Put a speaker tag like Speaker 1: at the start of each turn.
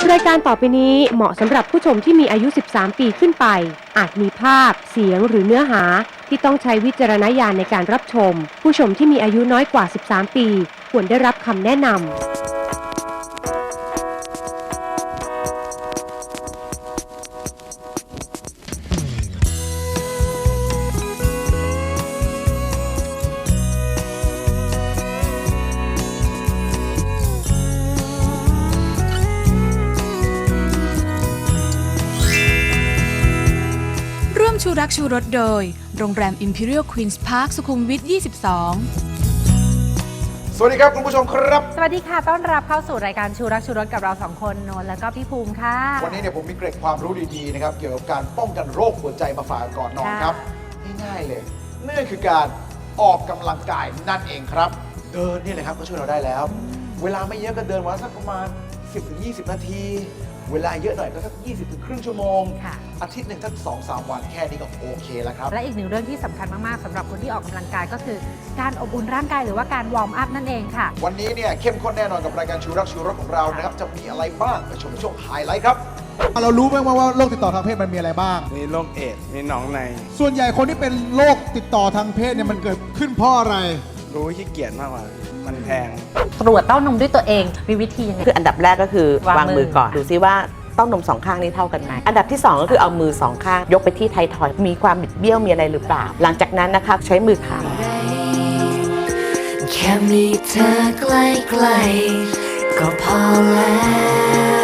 Speaker 1: รายการต่อไปนี้เหมาะสำหรับผู้ชมที่มีอายุ 13 ปีขึ้นไป อาจมีภาพ เสียงหรือเนื้อหาที่ต้องใช้วิจารณญาณในการรับชม ผู้ชมที่มีอายุน้อยกว่า 13 ปีควรได้รับคำแนะนำ
Speaker 2: ชูรักชูรสโดยโรงแรม Imperial Queen's Park สุขุมวิท 22
Speaker 3: สวัสดีครับคุณผู้ชมครับ
Speaker 4: สวัสดีค่ะต้อนรับเข้าสู่รายการชูรักชูรสกับเรา2คนนนท์และก็พี่ภูมิค่ะ
Speaker 3: วันนี้เนี่ยผมมีเกร็ดความรู้ดีๆนะครับเกี่ยวกับการป้องกันโรคหัวใจมาฝากก่อนนอนครับง่ายๆเลยนั่นคือการออกกำลังกายนั่นเองครับเดินนี่แหละครับก็ช่วยเราได้แล้วเวลาไม่เยอะก็เดินวันสักประมาณ 10-20 นาทีเวลาเยอะหน่อยก็สัก 20 ถึงครึ่งชั่วโมงอาทิตย์หนึ่งสัก 2-3 วันแค่นี้ก็โอเคแล้วครับ
Speaker 4: และอีกหนึ่งเรื่องที่สำคัญมากๆสำหรับคนที่ออกกำลังกายก็คือการอบอุ่นร่างกายหรือว่าการวอร์มอัพนั่นเองค่ะ
Speaker 3: วันนี้เนี่ยเข้มข้นแน่นอนกับรายการชูรักชูรสของเรานะครับจะมีอะไรบ้างไปชมช่วงไฮไลท์ครับ
Speaker 5: เรารู้ไหมว่าโรคติดต่อทางเพศมันมีอะไรบ้าง
Speaker 6: มีโรคเอดส์มีหนองใน
Speaker 5: ส่วนใหญ่คนที่เป็นโรคติดต่อทางเพศเนี่ยมันเกิดขึ้นเพราะอะไร
Speaker 6: รู้ขี้เกียจมากกว่ามันแพง
Speaker 4: ตรวจเต้านมด้วยตัวเองมีวิธียังไง
Speaker 7: คืออันดับแรกก็คือวางมือก่อนดูซิว่าเต้านมสองข้างนี้เท่ากันไหมอันดับที่2ก็คือเอามือ2ข้างยกไปที่ไททอยด์มีความบิดเบี้ยวมีอะไรหรือเปล่าหลังจากนั้นนะคะใช้มือขา
Speaker 8: แค่มีเธอใกล้ๆก็พอแล้ว